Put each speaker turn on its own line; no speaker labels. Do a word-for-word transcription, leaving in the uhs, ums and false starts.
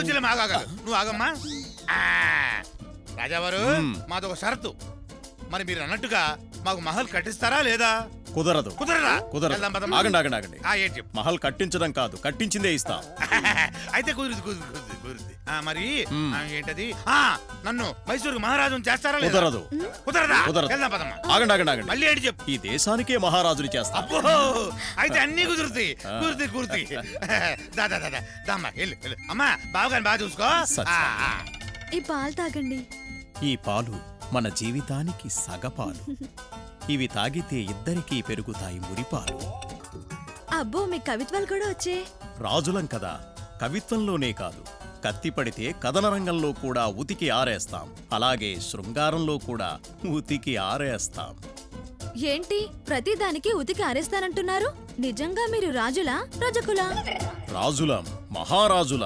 వచ్చి ఆగాగ నువ్వు ఆగమ్మా. రాజావారు మాదొక షరతు. మరి మీరు అన్నట్టుగా మాకు మహల్ కట్టిస్తారా లేదా?
కుదరదు.
కుదరదా?
కుదరదు. ఆగండి ఆగండి ఆగండి.
ఏంటి చెప్పు.
మహల్ కట్టించడం కాదు, కట్టించిందే ఇస్తాం.
అయితే కుదురుది కుదురుది కుదురుది కుదురుది. మరి ఏంటది? నన్ను మైసూరు మహారాజును చేస్తారా?
కుదరదు.
కుదరదా?
కుదరదు.
వెళ్దాం పదమ్మా.
ఆగండి ఆగండి ఆగండి.
మళ్ళీ ఏంటి చెప్పు.
ఈ దేశానికే మహారాజుని చేస్తాం.
అబ్బో, అయితే అన్ని కుదురుతాయి. కుదురుతాయి కుదురుతాయి. దా దా దా దామ్మా వెళ్ళు వెళ్ళు. అమ్మా బావగాని బాగా చూసుకో.
ఈ పాలు తాగండి.
ఈ పాలు మన జీవితానికి సగపాలు. ఇవి తాగితే ఇద్దరికీ పెరుగుతాయి మురిపాలు.
అబ్బో, మీ కవిత్వాలు కూడా వచ్చే.
రాజులం కదా, కవిత్వంలోనే కాదు, కత్తి పడితే కథన రంగంలో కూడా ఉతికి ఆరేస్తాం. అలాగే శృంగారంలో కూడా ఉతికి ఆరేస్తాం.
ఏంటి ప్రతిదానికి ఉతికి ఆరేస్తానంటున్నారు? నిజంగా మీరు రాజులా రజకులా?
రాజులం, మహారాజులం.